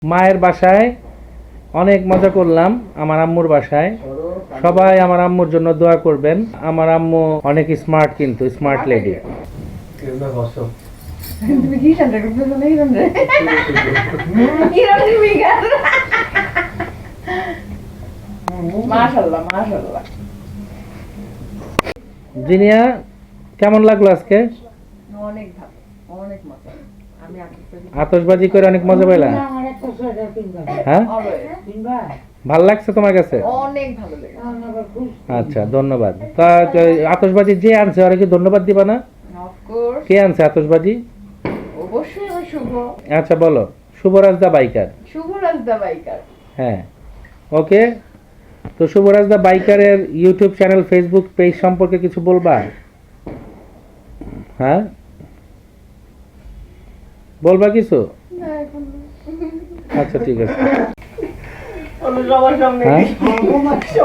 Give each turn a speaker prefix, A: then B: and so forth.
A: মায়ের বাসায় অনেক মজা করলাম, আমার আম্মুর বাসায়। সবাই আমার আম্মুর জন্য দোয়া করবেন। আমার আম্মু অনেক স্মার্ট, কিন্তু স্মার্ট লেডি।
B: তুমি কি জানতে করতেছো না হিরণ রে? হিরণ বিগার। মাশাআল্লাহ মাশাআল্লাহ।
A: জিনিয়া, কেমন লাগলো আজকে?
B: অনেক ভালো, অনেক মজা। আমি
A: আতশবাজি করে অনেক মজা পাইলাম। হ্যাঁ, ভাল লাগছে তোমার কাছে?
B: অনেক ভালো লেগেছে।
A: আচ্ছা, ধন্যবাদ। তা আতশবাজি যে আনছে ওরা কি ধন্যবাদ দিবা না?
B: Of course.
A: কে আনছে আতশবাজি?
B: অবশ্যই আমার শুভ।
A: আচ্ছা বলো। Shubhoraj the biker.
B: Shubhoraj the biker.
A: হ্যাঁ, ওকে। তো শুভরাজ দা বাইকারের ইউটিউব চ্যানেল, ফেসবুক পেজ সম্পর্কে কিছু বলবা? হ্যাঁ, বলবা কিছু?
B: না এখন
A: আচ্ছা, ঠিক আছে।
B: সবার সামনে
A: হ্যাঁ।